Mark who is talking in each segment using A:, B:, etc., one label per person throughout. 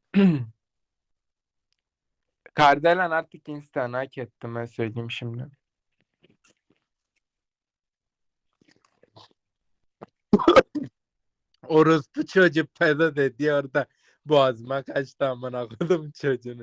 A: Kardelen artık Insta'nı hak ettim, ben söyleyeyim şimdi. Orospu çocuğu pedo dedi orada. Boğazıma kaçtı, amına koydum çocuğunu.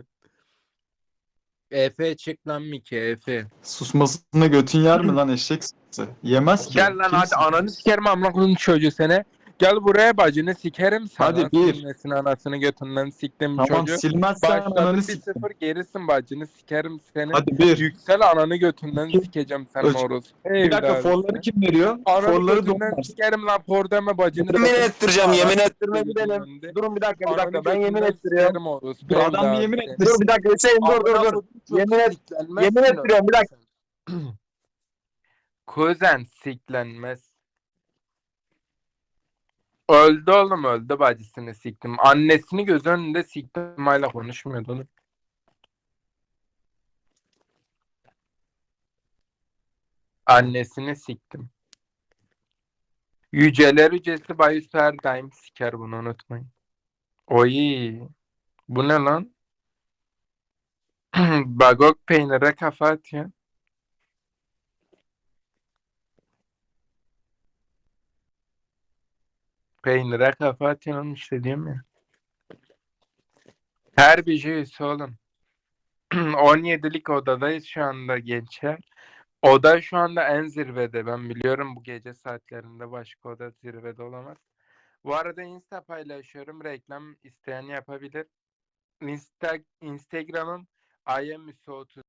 A: Efe çık lan Miki, Efe.
B: Susmasına götün yer mi lan eşek sıkıntı? Yemez ki.
A: Gel lan hadi,
B: Kimsin?
A: ananı sikerim amına koydum çocuğu seni. Gel buraya, bacını sikerim sana.
B: Hadi bir.
A: Silmesin anasını götünden siktim
B: Tamam
A: çocuğu.
B: silmezsen ananı
A: Başladım bir
B: siktim.
A: sıfır, gerisin, bacını sikerim senin.
B: Hadi bir.
A: Yüksel, ananı götünden
B: İki.
A: sikeceğim senin
B: Üç.
A: orospu
B: Bir dakika forları
A: evladı.
B: kim veriyor?
A: Ananı
B: Forları
A: götünden
B: doğum ver.
A: sikerim lan, for deme, bacını
C: Yemin
A: sikerim.
C: ettireceğim. Yemin
A: Ananı
C: ettirme
A: sikeyim gözümün
C: gidelim.
A: önünde.
C: Durun bir dakika bir
A: Ananı
C: dakika. Ben yemin
A: götünden
C: ettiriyorum.
A: sikerim orospu
B: Dur adam bir
A: evladı
B: yemin
A: seni.
C: Dur bir
B: ettirsin.
C: dakika Hüseyin dur dur
A: Amına
C: dur.
A: koydum çocuğu,
C: Yemin et. Yemin
A: siklenmezsin
C: ettiriyorum bir
A: öyle
C: dakika.
A: sen. Kuzen siklenmez. Öldü oğlum, öldü, bacısını siktim. Annesini göz önünde siktim, hala konuşmuyordu oğlum. Annesini siktim. Yüceler yücesi Bayüs her daim siker, bunu unutmayın. Oy, bu ne lan? Bagok peynire kafa atıyor. Peynire kafa atıyor oğlum, işte diyorum ya. Her bir şey üyesi oğlum. 17'lik odadayız şu anda gençler. Oda şu anda en zirvede. Ben biliyorum, bu gece saatlerinde başka oda zirvede olamaz. Bu arada Insta paylaşıyorum. Reklam isteyen yapabilir. Instagram'ım IamMüso30.